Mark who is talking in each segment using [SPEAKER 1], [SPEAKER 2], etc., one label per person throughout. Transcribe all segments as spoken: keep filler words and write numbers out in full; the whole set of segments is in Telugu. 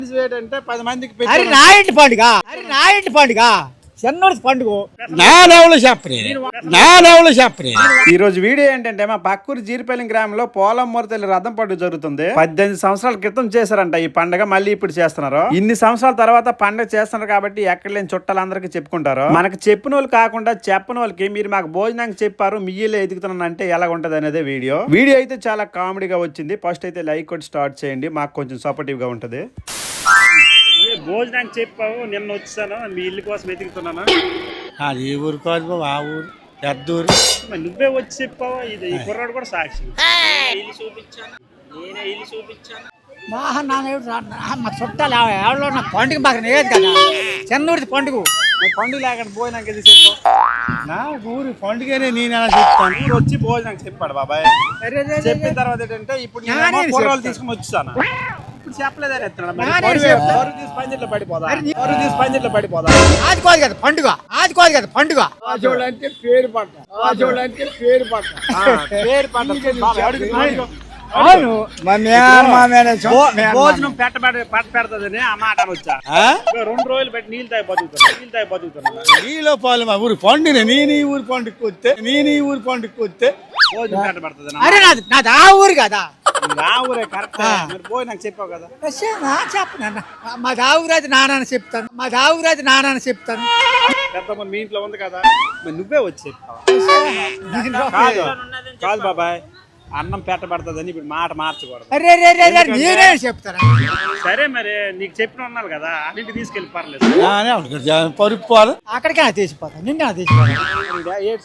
[SPEAKER 1] అంటే పది మందికి
[SPEAKER 2] అరే నా ఇంటి పండుగ అరే నా ఇంటి పండుగ చెన్నూరు పండుగ
[SPEAKER 1] నా నవలు చెప్పని నా నవలు చెప్పని ఈ రోజు వీడియో ఏంటంటే మా పక్కూరు జీరిపల్లి గ్రామంలో పోలం మొరతల్లి రథం పండుగ జరుగుతుంది. పద్దెనిమిది సంవత్సరాల క్రితం చేశారంట ఈ పండుగ, మళ్ళీ ఇప్పుడు చేస్తున్నారు. ఇన్ని సంవత్సరాల తర్వాత పండుగ చేస్తున్నారు కాబట్టి ఎక్కడ లేని చుట్టాలందరికీ చెప్పుకుంటారు. మనకు చెప్పిన వాళ్ళు కాకుండా చెప్పని వాళ్ళకి మీరు మాకు భోజనానికి చెప్పారు మీ ఇల్లు ఎదుగుతున్నాను అంటే ఎలా ఉంటది అనేది వీడియో వీడియో అయితే చాలా కామెడీగా వచ్చింది. ఫస్ట్ అయితే లైక్ కొట్టి స్టార్ట్ చేయండి, మాకు కొంచెం సపోర్టివ్ గా ఉంటది.
[SPEAKER 3] భోజనానికి చెప్పావు, నిన్న వచ్చాను మీ ఇల్లు కోసం వెతుకుతున్నాను.
[SPEAKER 4] అది ఈ ఊరు కాదు, ఆ ఊరు పెద్ద ఊరు.
[SPEAKER 3] నువ్వే వచ్చి చెప్పావా? ఇది ఈ కుర్రాడు కూడా సాక్షి. ఇల్లు చూపించాను, నేనే ఇల్లు చూపించాను.
[SPEAKER 2] మా చుట్టాలు ఎవరో నా పండుగ బాగా లేదు కదా, చెన్నూరు పండుగ
[SPEAKER 1] పండుగ లేకుండా భోజనానికి ఎందుకు చెప్పావు?
[SPEAKER 4] నా ఊరు పండుగనే నేను ఎలా చెప్తాను.
[SPEAKER 1] ఊరు వచ్చి భోజనానికి చెప్పాడు బాబాయ్. చెప్పిన తర్వాత ఏంటంటే ఇప్పుడు కూరలు తీసుకుని వచ్చాను. ఇప్పుడు చెప్పలేదని తీసి పందిట్లో పడిపోదా తీసి పందిట్లో పడిపోదా
[SPEAKER 2] అది కాదు కదా పండుగ, అది కాదు కదా పండుగ.
[SPEAKER 1] ఆచోళ్ళు అంటే పేరు పట్ట ఆచోళ్ళు అంటే పేరు పట్ట పేరు పట్ట
[SPEAKER 2] అవును
[SPEAKER 3] భోజనం పెట్టబెడ పట్ట పెడతదని ఆ మాట వచ్చా. రెండు రోజులు పెట్టి నీళ్ళు తాగి బతుకుతున్నా నీళ్ళు తాగి బతుకుతున్నా
[SPEAKER 4] నీలో పాలు మా ఊరు పండుగ నేను ఈ ఊరు పండుగకి వస్తే నేను ఈ ఊరు పండుగకి వస్తే
[SPEAKER 3] భోజనం పెట్ట పెడతది.
[SPEAKER 2] అరే నాది నాది ఆ ఊరు కదా,
[SPEAKER 1] నా ఊరే కరెక్ట్. పోయి నాకు చెప్పావు కదా.
[SPEAKER 2] చెప్పను మా దావురాజు నాన్న చెప్తాను, మా దావురాజు నాన్న చెప్తాను.
[SPEAKER 1] పెద్ద మీ ఇంట్లో ఉంది కదా, మరి నువ్వే వచ్చి చెప్పావు. కాదు కాదు బాబాయ్, అన్నం పెట్టబడుతుందని ఇప్పుడు మాట మార్చకూడదు.
[SPEAKER 2] అరే నేనే చెప్తాను.
[SPEAKER 3] సరే మరి నీకు చెప్పిన ఉన్నారు కదా, అన్నింటి తీసుకెళ్ళి పర్లేదు.
[SPEAKER 4] పరుపు పాలు
[SPEAKER 2] అక్కడికే తీసిపోతాను, నిన్న తీసిపోతాను.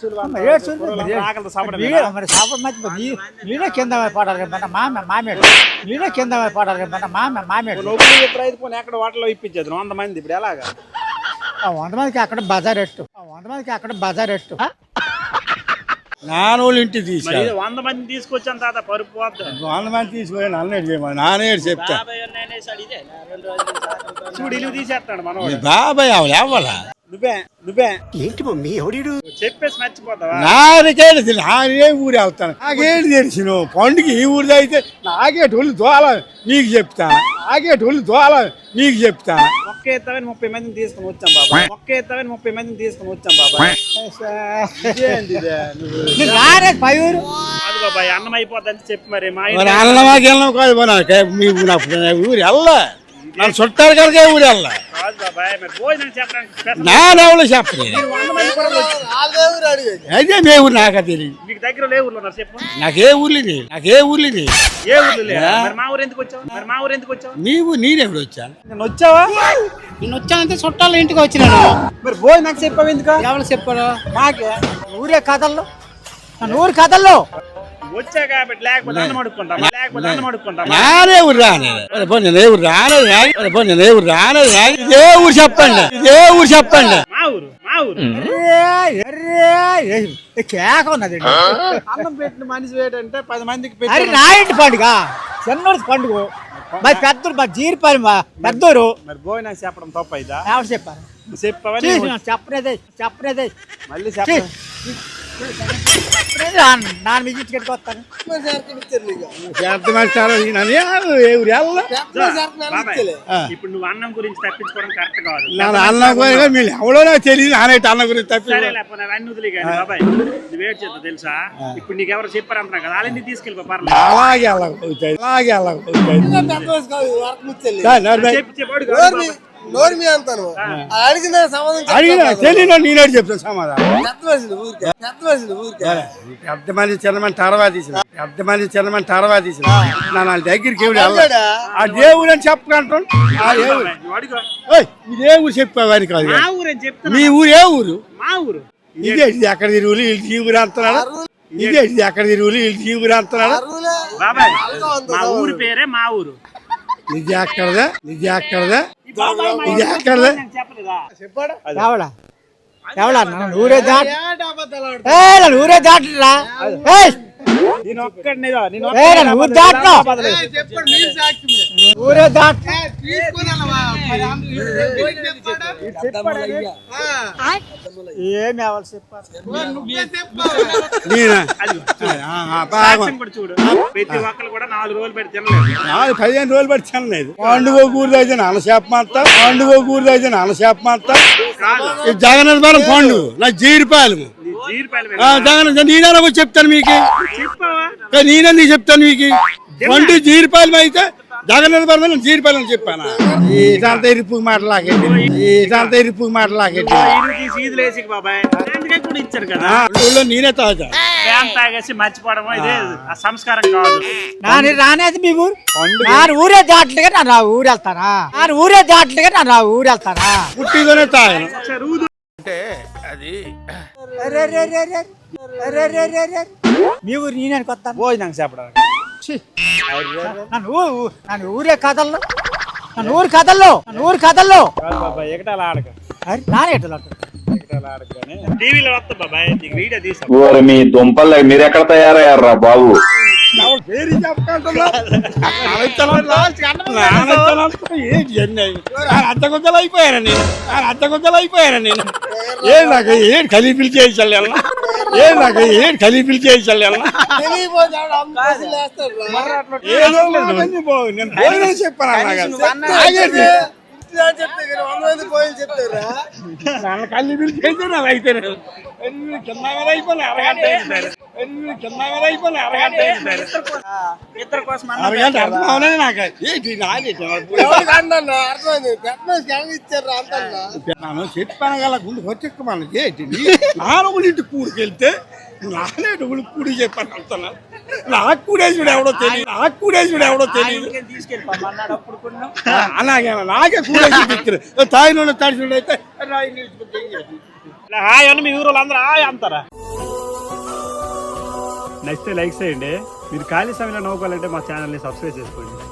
[SPEAKER 2] నేనే కింద పడాలి కదా మామ మామేడు, నేనే కింద పడాలి కదా మామ మామేడు.
[SPEAKER 1] ఎక్కడ హోటల్లో ఇప్పించేది వంద మంది, ఇప్పుడు ఎలాగా?
[SPEAKER 2] వంద మందికి అక్కడ బజార్ ఎట్టు, వంద మందికి అక్కడ బజార్ ఎట్టు.
[SPEAKER 4] నానోళ్ళు ఇంటికి తీసుకు
[SPEAKER 3] వంద మంది తీసుకొచ్చాను తాత పరుపు
[SPEAKER 4] వంద మంది తీసుకొని అన్నట్టు చేయమని నానే చెప్తా.
[SPEAKER 3] చూడు ఇల్లు తీసేస్తాడు మన
[SPEAKER 4] బాబాయ్ ఆవిడ ఎవ్వలా
[SPEAKER 1] నువ్వే నువ్వే
[SPEAKER 2] ఏంటి మమ్మీ ఎవడు
[SPEAKER 3] చెప్పేసి మర్చిపోతావా?
[SPEAKER 4] నాకే నానే ఊరు వెళ్తాను, నాకేంటి తెలిసిన పండుగ ఈ ఊరిది అయితే నాకేటోళ్ళు దోల నీకు చెప్తాను, నాకేటోళ్ళు దోల నీకు చెప్తాను.
[SPEAKER 1] ఒక్క ఎత్తవని ముప్పై మందిని తీసుకుని వచ్చాం బాబా, ఒక్క ఎత్తవని ముప్పై మందిని తీసుకుని వచ్చాం బాబా.
[SPEAKER 2] రారే పై ఊరు
[SPEAKER 3] కాదు బాబాయ్, అన్నం అయిపోద్దని చెప్పి మరి మా
[SPEAKER 4] అన్నమాకి వెళ్ళాం కాదు మీ ఊరు వెళ్ళా నన్ను చుట్టారు కనుక ఊరు వెళ్ళా.
[SPEAKER 3] కాదు బాబాయ్, మరి భోజనం చెప్పడానికి
[SPEAKER 4] నా నవలు చెప్పలేదు అదే మే ఊరు నాక తెలియదు.
[SPEAKER 3] మీకు దగ్గర లే ఊర్లో ఉన్నారు చెప్పు.
[SPEAKER 4] నాకే ఊర్లు నాకే ఊర్లు
[SPEAKER 3] ఏ ఊర్లు లేదా? మరి మా ఊరు ఎందుకు వచ్చావు? మరి మా ఊరు ఎందుకు వచ్చావు?
[SPEAKER 4] నీవు నేనెప్పుడు వచ్చాను?
[SPEAKER 1] నేను వచ్చావా?
[SPEAKER 2] నేను వచ్చానంటే చుట్టాలు ఇంటికి వచ్చినాను.
[SPEAKER 1] మరి భోజనం నాకు చెప్పావు ఎందుకు?
[SPEAKER 2] ఎవరు చెప్పారు? మాకే ఊరే కథల్లో, నన్ను ఊరు కథల్లో
[SPEAKER 3] వచ్చా కాబట్టి, లేకపోతే అన్నం అడుక్కుంటాం, లేకపోతే అన్నం అడుక్కుంటాం.
[SPEAKER 4] నానే ఊరు రానేది నేను ఊరు రానేది నేను ఊరు రానేది ఇదే ఊరు చెప్పండి, ఇదే ఊరు చెప్పండి.
[SPEAKER 3] మా ఊరు మా ఊరు
[SPEAKER 2] కేక ఉన్నది.
[SPEAKER 1] అన్నం పెట్టిన మనిషి ఏంటంటే పది మందికి
[SPEAKER 2] అరే నా ఇంటి పండుగ చెన్నూరు పండుగ, మా పెద్దూరు మా జీరిపల్లి మా పెద్దూరు.
[SPEAKER 1] మరి భోజనం చెప్పడం తప్ప ఇదా?
[SPEAKER 2] ఎవరు చెప్పారు?
[SPEAKER 1] చెప్పవని
[SPEAKER 2] చెప్పనేదే చెప్పనేదే
[SPEAKER 1] మళ్ళీ చెప్ప
[SPEAKER 2] నాన్న మీకు ఇంటికి వస్తాను.
[SPEAKER 3] ఇప్పుడు నువ్వు అన్నం గురించి తప్పించుకోవడం కరెక్ట్ కాదు.
[SPEAKER 4] అన్నం మీరు ఎవడో నాకు తెలియదు, నానైతే అన్నం గురించి తప్పి
[SPEAKER 3] అన్ని వదిలే కానీ బాబాయ్ నువ్వు ఏడు చేద్దాం తెలుసా? ఇప్పుడు నీకు ఎవరు చెప్పారు అంటున్నా కదా, వాళ్ళని తీసుకెళ్ళి పర్లేదు.
[SPEAKER 4] అలాగే అలాగే అలాగే అలాగే
[SPEAKER 3] చెప్పి చెప్పాడు
[SPEAKER 4] అడిగిన తెలియదు, నేనేడు చెప్తాను సమాధానం. పెద్ద మంది చిన్నమని తర్వాత తీసిన పెద్ద మంది చిన్నమని తర్వాత తీసిన నా వాళ్ళ దగ్గరికి ఎవడు వెళ్ళాడు. ఆ దేవుడు అని చెప్పకంటాం. ఇదే ఊరు చెప్పేవారి కాదు, మీ ఊరు ఏ ఊరు?
[SPEAKER 3] మా ఊరు.
[SPEAKER 4] ఇదే ఎక్కడ తిరుగులు ఈ ఊరు అంటున్నాడు, ఇదే ఎక్కడ తిరుగులు ఈ ఊరు అంటున్నాడు.
[SPEAKER 3] బాబాయ్ మా ఊరు పేరే మా ఊరు.
[SPEAKER 4] ఇది ఎక్కడదా ఇది ఎక్కడదా ఇది ఎక్కడదా
[SPEAKER 2] ఎవడా ఎవడా ఊరే దాట ఊరే దాటరా
[SPEAKER 1] నేను ఒక్కడిని
[SPEAKER 2] ఊరు దాటను ఊరే దాట్ ఏమి అవ్వాలి చెప్పారు
[SPEAKER 4] నేనా
[SPEAKER 3] అది
[SPEAKER 4] ఆ, ఆ, బాగా
[SPEAKER 3] సాక్ష్యం కూడా చూడు ప్రతి ఒక్కరు కూడా నాలుగు రోజులు పెట్టి తినలేదు
[SPEAKER 4] నాలుగు పదిహేను రోజులు పట్టి తినలేదు పండుగ కూరది అయితే నాన్న చేపమంతా పండుగ కూరది అయితే నాన్న చేపమంతా ఈ జగన్ పండుగ నా జీరిపాయలు
[SPEAKER 3] నీ జీడిపాయలు
[SPEAKER 4] ఆ, జగన్ నేనే వచ్చి చెప్తాను మీకు
[SPEAKER 3] చెప్పావా
[SPEAKER 4] కానీ నేనే నీకు చెప్తాను మీకు పండు జీరిపాయలు అయితే జగన్ జీరిపాయలు అని చెప్పాను ఇదంతా ఇరుపు మాటలాగండి ఇదంతా ఇరుపు మాటలాగండి
[SPEAKER 3] ఇల్లు తీసి ఈదులు వేసి బాబాయ్ అందుకే కూడా ఇచ్చారు కదా
[SPEAKER 4] ఊళ్ళో నేనే తాగుతా
[SPEAKER 3] ఫ్యాన్ తాగేసి మర్చిపోవడం ఇదే ఆ సంస్కారం కాదు
[SPEAKER 2] నాని రానేది మీ ఊరు నాను ఊరే దాట్లుగా నన్ను ఆ ఊరు వెళ్తానా నాను ఊరే దాట్లుగా నన్ను ఆ ఊరు వెళ్తానా
[SPEAKER 4] పుట్టితోనే తాగను
[SPEAKER 3] ఒకసారి ఊదు
[SPEAKER 2] అరే, అరే, అరే, అరే. అరే, అరే, అరే, అరే. మీ ఊరు నేను కొత్తాను
[SPEAKER 1] భోజనం చెప్పడానికి
[SPEAKER 2] నన్ను ఊ- ఊ- నన్ను ఊరే కథల్లో నన్ను ఊరు కథల్లో నన్ను ఊరు కథల్లో
[SPEAKER 1] కాదు బాబాయ్ ఎగటాల ఆడక
[SPEAKER 2] అరే, నానేటలు
[SPEAKER 1] ఎగటాల ఆడక కానీ
[SPEAKER 3] టీవీలో వస్తా బాబాయ్ నీకు వీడియో తీసా
[SPEAKER 5] ఓరి మీ దుంపలు మీరు ఎక్కడ తయారయ్యారా బాబు
[SPEAKER 4] పేరు అద్దకొద్దలు అయిపోయారా నేను అద్దకొద్దలు అయిపోయారా నేను ఏ నాకు ఏడు ఖలీఫీలు చేయించాలి ఏ నాకు ఏడు ఖలీఫీలు చేయించాలి ఏదో ఒకటి పో, నేను భోజనం చెప్పాను అలాగే నన్ను ఖలీఫీలు చేయించాను అలా అయితే కింద మీద అయిపోయి అరగంట అయింది. కింద మీద అయిపోయి అరగంట అయింది.
[SPEAKER 3] ఇద్దరు కోసం
[SPEAKER 4] అరగంట అర్థం అవనే నాకు ఏంటి నాది నన్ను చెప్పాను గల గుండు వచ్చెక్కమని ఏంటి నాలుగులు ఇంటి కూడికెళ్తే నానేటి కూడి చెప్పాను అంటున్నా నాకు కూడేసుడు ఎవడో తెలియదు నాకు కూడేసుడు ఎవడో తెలియదు
[SPEAKER 3] తీసుకెళ్ళిపోమన్నాడు అప్పుడు కూడా
[SPEAKER 4] అలాగే నాకే కూడేసి తాయిలో తడిసినట్టు అయితే రాయి నిలిచిపోతే ఏం చేయాలి?
[SPEAKER 3] హాయ్ అని మీ ఊరు వాళ్ళందరూ హాయ్ అంటారా నచ్చితే లైక్ చేయండి మీరు ఖాళీ సమయంలో నవ్వుకోవాలంటే మా ఛానల్ని సబ్స్క్రైబ్ చేసుకోండి